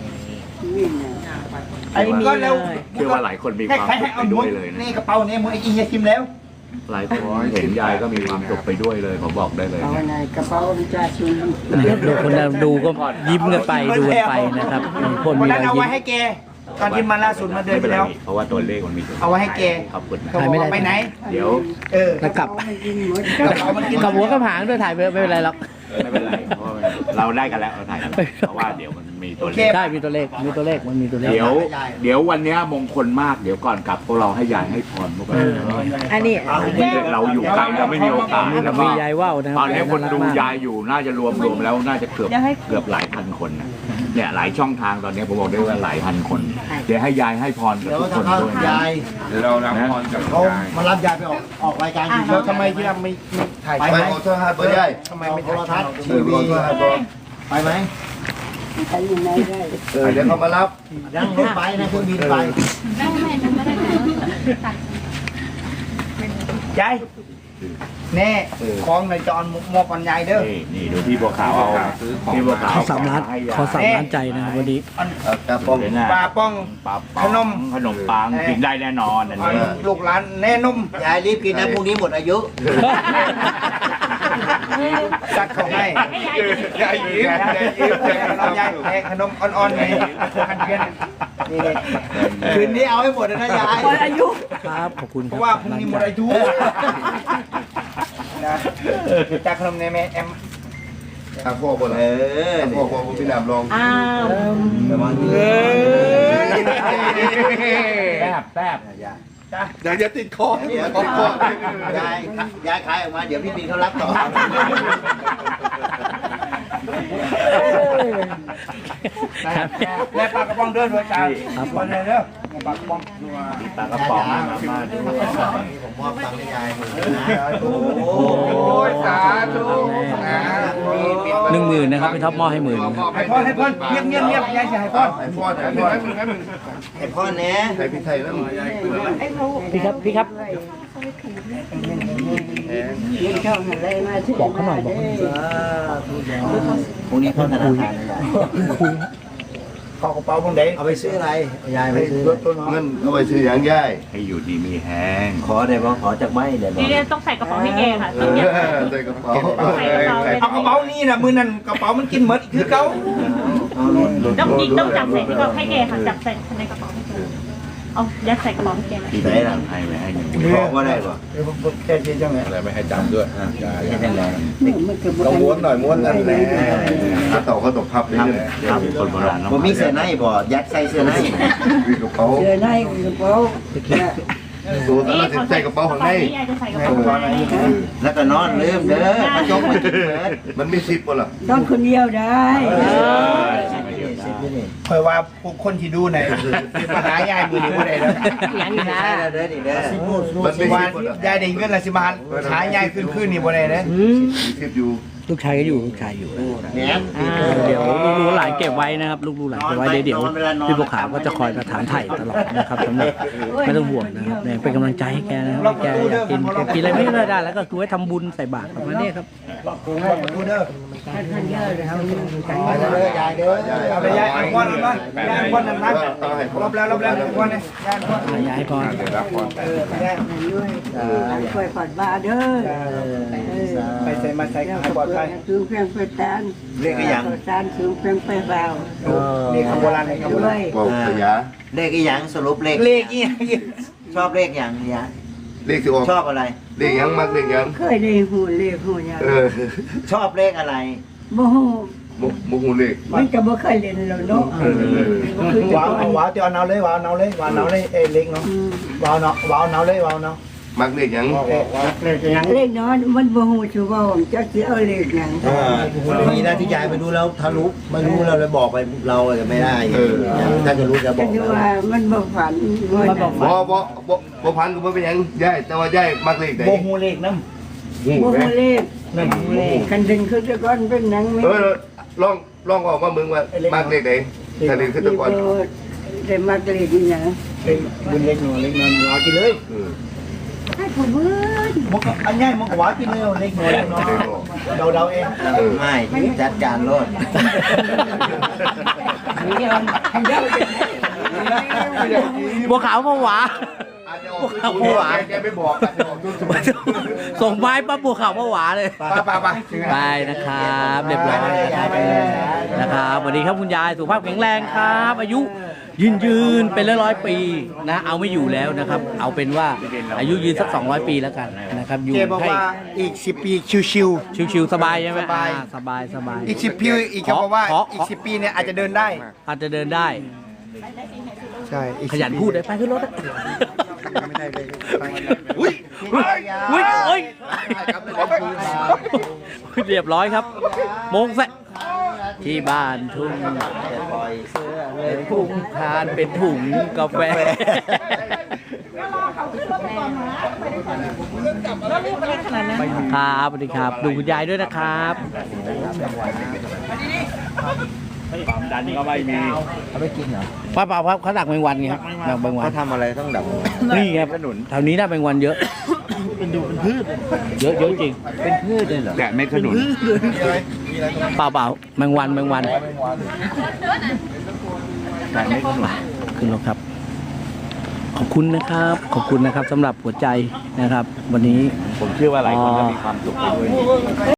Speaker 8: ไอ้มี
Speaker 7: ก็
Speaker 8: เล
Speaker 7: แล้ว
Speaker 8: ย
Speaker 9: เชื่อว่าหลายคนมี
Speaker 7: ให้
Speaker 9: ความ
Speaker 7: ใคร
Speaker 9: สุ
Speaker 7: ให้
Speaker 9: ข
Speaker 7: เอา
Speaker 9: ไป
Speaker 7: หม
Speaker 9: ด้ว
Speaker 7: ด
Speaker 9: ยเลยนะ
Speaker 7: นี่กระเป๋าเนี่ยมึงไอ้กินยาคิมแล้ว
Speaker 9: หลายคนเห็นยายก็มีความสุขไปด้วยเลยผมบอกได้เลย
Speaker 6: เอา
Speaker 9: นะ
Speaker 6: ในกระเป๋าจ่าชุน
Speaker 4: นะครับดูคนดูก็ยิ้มกันไปดูกันไปนะครับมีคน
Speaker 7: วัน
Speaker 4: มี
Speaker 7: นั้น
Speaker 4: รอย
Speaker 7: เอา
Speaker 4: ยิ้
Speaker 7: ไว้
Speaker 4: ม
Speaker 7: ให้แกตอนที่มาล่าสุดมาเดือน
Speaker 9: ไม่เป็นไร
Speaker 7: ที่แล้ว
Speaker 9: เพราะว่าตัวเลขมันมีตัว
Speaker 7: เอาไว้ให้แก
Speaker 9: ขอบคุณนะ
Speaker 7: เขาบอกว่าไปไหน
Speaker 9: เดี๋ยว
Speaker 7: เออ
Speaker 4: แล้วกลับ
Speaker 6: ไม่กินหมด
Speaker 7: กระเป๋ามันกิน
Speaker 4: กับหัวกับหางด้วยถ่ายไปไม่เป็นไรหรอก
Speaker 9: ไม่เป็นไรเพราะว่าเราได้กันแล้วเราถ่ายกันเพราะว่าเดี๋ยวมันมีตัวเลข
Speaker 4: ได้มีตัวเลขมีตัวเลขมันมีตัวเลข
Speaker 9: เดี๋ยวเดี๋ยววันเนี้ยมงคลมากเดี๋ยวก่อนกลับพวกเราให้ยายให้พรพวกเรา
Speaker 8: อันนี้
Speaker 9: เราอยู่ไกลเราไม่มีโอกาส
Speaker 4: นี่เรามียายว่าวนะค
Speaker 9: ต
Speaker 4: รั
Speaker 9: อบ นนี้คนดูยายอยู่น่าจะรวมรวมแล้วน่าจะเกือบ
Speaker 10: เดี๋ยวให้
Speaker 9: เกือบหลายพันคนนะเนี่ยหลายช่องทางตอนนี้ผมบอกได้ว่าหลายพันคน เดี๋ยวให้ยายให้พรกับ
Speaker 3: เดี๋ยว
Speaker 9: ทุกค
Speaker 3: ถ้าน เขา
Speaker 9: ด้วย
Speaker 3: ยาย
Speaker 2: เดี๋ยวเรารับพรจาก
Speaker 3: เขา
Speaker 2: ยาย
Speaker 3: มารับยายไปออกออกรายการทีวี
Speaker 7: แล้วทำไมที่เราไม่ไม่ถ่าย
Speaker 5: ไป
Speaker 7: ไป
Speaker 5: ขอโทษฮะตัวใหญ่
Speaker 7: ทำไม
Speaker 3: เอา
Speaker 7: ไม่
Speaker 3: โท
Speaker 7: ถ่าย
Speaker 3: รทัศน์
Speaker 5: เอ
Speaker 3: ที
Speaker 5: อข
Speaker 3: วี
Speaker 5: อโทษฮะตัว
Speaker 3: ไปไหม
Speaker 6: ไปยังไงได้
Speaker 5: เออเดี๋ยวเขามารับ
Speaker 3: นั่งรถไปนะเครื่องบินไป
Speaker 7: ยายแน่ของในจอนมอบปัญญาเด้อ
Speaker 9: นี่นี่ดูพี่บัวขาวเอาพี่บัวขาว
Speaker 4: ขอสามล้าน
Speaker 9: ให้ยย
Speaker 4: ขอสามล้านใจนะครับวันนี้
Speaker 5: กระป๋อง
Speaker 9: เดี๋ยวนะ
Speaker 7: ปลาป้อง
Speaker 9: ปลาป๋อง
Speaker 7: ขนม
Speaker 9: ขนมปังกินได้แน่นอนอันนี้
Speaker 7: ลูกหลานแน่นุ่ม
Speaker 1: ยายรีบกินนะพรุ่งนี้หมดอายุ
Speaker 7: จัดเขาให้
Speaker 2: ยายยิ้ม
Speaker 7: ยายยิ้มเรายายแพ้ขนมอ่อนๆนี่กันเพี้ยนนี่เลย
Speaker 1: คืนนี้เอาให้หมดเลยนะยาย
Speaker 8: หมดอายุ
Speaker 4: ครับขอบคุณ
Speaker 7: เพ
Speaker 4: ครับ
Speaker 7: ราะว่าพรุ่งนี้หมดอายุนะจากขนมในแม่แอม
Speaker 5: ข้าวโพดบ่
Speaker 1: เอ
Speaker 5: ล่ะ
Speaker 1: อ
Speaker 5: ข้าวโพดบ่มีน้ำรอง
Speaker 8: อ้าว
Speaker 1: ระวังดี
Speaker 9: แซ่บแซ่บ
Speaker 5: เดี๋ยวจะติดคอ
Speaker 1: เดี๋ยว
Speaker 5: คอคอย
Speaker 1: ายยายขายออกมาเดี๋ยวพี่บินเขารับต่อ
Speaker 7: และปลากระป๋องเดินด้วยจ้ามาเลยเด้อปลากระป๋อง
Speaker 9: ปลากระป๋องมามาดู
Speaker 1: ผมมอบตังค์ให้ยายหมดเลยนะ
Speaker 2: โอ้ยสาธุนะ
Speaker 4: หนึ่งหมื่นนะครับพี่ท็อปมอบให้หมื่น
Speaker 7: ให้พ่อให้พ่อเงียบเงียบเงียบยายจะให้พ่อ
Speaker 5: ไอ้พ่อไอ้พ่อ
Speaker 1: ไอพ่อเนี้ย
Speaker 5: ไอ้พี่ไทยนั่น
Speaker 4: พี่ครับพี่ครับ
Speaker 6: เงินช่องอะไรมาที่
Speaker 4: บอกเขาหน่อยบอกเขาหน่อย
Speaker 1: พรุ่งนี้เข้าธนาคารนะยาย
Speaker 7: ขอกระเป๋าพงเด้
Speaker 3: เอาไปซื้ออะไรยายไปซื้อ
Speaker 5: เงินเอาไปซื้อหยังย่าย
Speaker 9: ให้อยู่ดีมีแห้ง
Speaker 1: ขอได้บ่ขอจากไม่ได้บ่
Speaker 10: นี่เนี่ยต้องใส่กระเป๋าให้แกค่ะ
Speaker 5: เอ
Speaker 10: ต้อง
Speaker 5: อ
Speaker 10: เก็บ
Speaker 5: ใส่กระเป๋า
Speaker 10: ใส่กระเป๋าเลย
Speaker 7: เอากระเป๋านี่นะมือนั่นกระเป๋ามันกินหมดคือเก่า
Speaker 10: ต้องยิงต้องจับใส่ที่กระเป๋าให้แกค่ะ จับใส่ในกระเป๋าให้แกเอายัดใส่กระเป๋าให้แกเลย
Speaker 9: ที่ไหนหลังให้ไว้ให้หนึ่ง
Speaker 1: ขอว่าได้บ่
Speaker 7: เดี๋ยวผมแค่ชี้จังไง
Speaker 2: อะไรไม่ให้จำด้วยยาย
Speaker 1: ไม่เป็นไร
Speaker 5: ต้องม้วนหน่อยม้วนนั่นแหละถ้าต่อเขาตกพับเลย
Speaker 9: ครับคนโบราณ
Speaker 1: บ่มีเสื้อในบ่ยัดใส่เสื้อใน
Speaker 5: มีกระเป๋า
Speaker 6: เจอในกระเป๋า
Speaker 5: สูตรแล้วใส่กระเป๋าข้างใน
Speaker 10: นี่ยายจะใส่กระเป๋าข้างใน
Speaker 1: แล้วก็นอนลืมเด้อกระจกมากินเบิด
Speaker 5: มันมีซิปป่ะล่ะ
Speaker 6: ต้องคนเดียวได้
Speaker 7: คอยว่าพวกคนที่ดูในมาหายายมือนี้บ่ได้แล้ว
Speaker 8: อย่างนี้นะ
Speaker 1: ใช่แล้วเด้อนี่เด้อ
Speaker 5: มันมี
Speaker 7: ว่า
Speaker 5: ซิปป่ะล่ะ
Speaker 7: ยายได้เงินละสิมาหายายขึ้นขึ้นนี่บ่ได้เด้อ
Speaker 5: มีซิปอยู่
Speaker 4: ลูกชายก็อยู่ลูกชายอยู่
Speaker 1: แหนม
Speaker 4: เดี๋ยวลูกๆหลานเก็บไว้นะครับลูกๆหลานเก็บไว้เดี๋ยวเดี๋ยวพี่บัวขาวก็จะคอยมาถามไถ่ตลอดนะครับสำหรับไม่ต้องห่วงนะครับเนี่ยเป็นกำลังใจให้แกนะครับแกอยากกินแกกินอะไรไม่ได้แล้วก็คือไว้ทำบุญใส่บาตรประมาณนี้ครับ
Speaker 7: ดูเด้อ
Speaker 6: ท่านเยอะเลยครับ
Speaker 3: ไปแล้วเด้อยายเด้อ
Speaker 7: เอาไปยายเอาก้อนนั้นมายายก้อนนั้นนะรอบแล้วรอบแล้วก้อนนี่ยายก้อน
Speaker 4: อ่ะย้ายก่อน
Speaker 2: เดี๋ยวรับพร
Speaker 7: เออยาย
Speaker 6: ด้วยช่วยผ่อนบาเด้อ
Speaker 7: ไปใส่มาใส่ให้ปลอดภัย
Speaker 6: สูงเพียงไปตาน
Speaker 1: เลขอีหยัง
Speaker 6: ตานสูงเพียงไปเบา
Speaker 7: นี่คำโบราณนี่คำโบ
Speaker 6: ด้ว
Speaker 7: ราณ
Speaker 6: ย
Speaker 5: บอกขยะ
Speaker 1: เลขอีหยังสรุปเลข
Speaker 7: เลขอี
Speaker 1: ชอบเลขอย่างเนี่ย
Speaker 5: เลขที่ออก
Speaker 1: ชอบอะไร
Speaker 5: เเด็กยังมักเด็กยัง
Speaker 6: เคยได้หูเลขหูหยัง
Speaker 5: เออ
Speaker 1: ชอบเลขอะไร
Speaker 6: บ่ฮู้
Speaker 5: มุกมุกหูเล็ก
Speaker 6: มันก็บ่เคยเล่นแล้วเนาะ
Speaker 5: เออ
Speaker 7: ว้าวว้าวเดี๋ยวเอาเลยวาวเอาเลยวาวเอาเลยเอเล็กเนาะวาวเนาะวาวเอาเลยวาวเนาะ
Speaker 5: มักเด็กยัง
Speaker 6: เลขน้อยมันบ่ฮู้ชื่อว่าจักสิเอาเลขหยัง
Speaker 1: มีหน้าที่ยายไปดูแล้วถ้ารู้ไม่รู้เราเลยบอกไปเราจะไม่ได้ถ้าจะรู้จะบ
Speaker 6: ก็
Speaker 1: อก
Speaker 6: คือว่ามันบ่ฝันมันบ่
Speaker 5: บ่บ่บ่บ่พันก็บ่เป็นหยังยายแต่ว่ายายมักเด็กไหน
Speaker 7: โบฮูเลขน้
Speaker 5: หู
Speaker 6: บ่
Speaker 5: ไหม
Speaker 6: ฮู้เลข
Speaker 7: ำนั่นฮูเลข
Speaker 6: คันดึงคือแต่ก่อนเป็นหนังแม่
Speaker 5: เออลองลองออกมามึงว่ามักเด็กไหนถ้าเด็กขึ้นตะกอน
Speaker 6: ได้มาเลขนี่หยัง
Speaker 7: เป็นบุญเล็กหน่อยเล็กน้อยว้าวกินเลย
Speaker 5: เออ
Speaker 6: ให้ผู้เบิ่ง
Speaker 7: มันก็อันใหญ่มันก็ว้าวกินเลยเล็กน้อยเนาะเดาเดาเอง
Speaker 5: เออ
Speaker 1: ไม่จัดการรถ
Speaker 4: บัวขาวผวา
Speaker 5: อาจจะออกตัวแกไม่บอกอาจจะออกตัวสมัย
Speaker 4: ส่งไม้ปั๊บบัวขาวผวาเลย
Speaker 5: ไปไปไป
Speaker 4: ไปนะครับเรียบร้อยนะครับนะครับสวัสดีครับคุณยายสุขภาพแข็งแรงครับ อายุยืนยืนเป็นร้อยร้อยปีนะเอาไม่อยู่แล้วนะครับ เอาเป็นว่าอายุยืนสักสองร้อยปีแล้วกันนะครับอยู่
Speaker 7: เจบอก
Speaker 4: ให้
Speaker 7: ว่าอีกสิบปีชิว
Speaker 4: ชิวๆสบายใช่ไหม
Speaker 7: สบาย
Speaker 4: อ่สบายสบาย
Speaker 7: ๆอีกสิบปีอีกเขาบอกว่า
Speaker 4: ขอขอ
Speaker 7: อีกสิบปีเนี่ยอาจจะเดินได้
Speaker 4: อาจจะเดินได้
Speaker 7: ใช่อีก
Speaker 4: ขยันพูดได้ไปขึ้นรถ
Speaker 7: ไม่ได้เลย
Speaker 5: อุ้ย
Speaker 4: อุ้ยโอ้ยเรียบร้อยครับโมงแฟที่บ้านทุ่งปล่อยเสื้อเลยทุ่งทานเป็นถุงกาแฟ
Speaker 10: ขนาดนั้น
Speaker 4: ครับสวัสดีครับ ดูคุณยายด้วยนะครับความดันก็ไม่มีเขาไม่กินเหรอป้าเปล่าครับเขาดักแมงวันไงครับดักแมงวัน
Speaker 1: เขาทำอะไรต้องดับ
Speaker 4: นี่ครับแถวนี้น่าแมงวันเยอะเป็นดูเป็นพืชเยอะเยอะจริงเป็นพืชเลยเหรอ
Speaker 9: แต่ไม่ขนุน
Speaker 4: เปล่าเปล่าแมงวันแมงวันแต่ไม่ขนุนขึ้นรถครับ ขอบคุณนะครับ ขอบคุณนะครับสำหรับหัวใจนะครับ วันนี้
Speaker 9: ผมเชื่อว่าหลายคนจะมีความสุขไปด้วย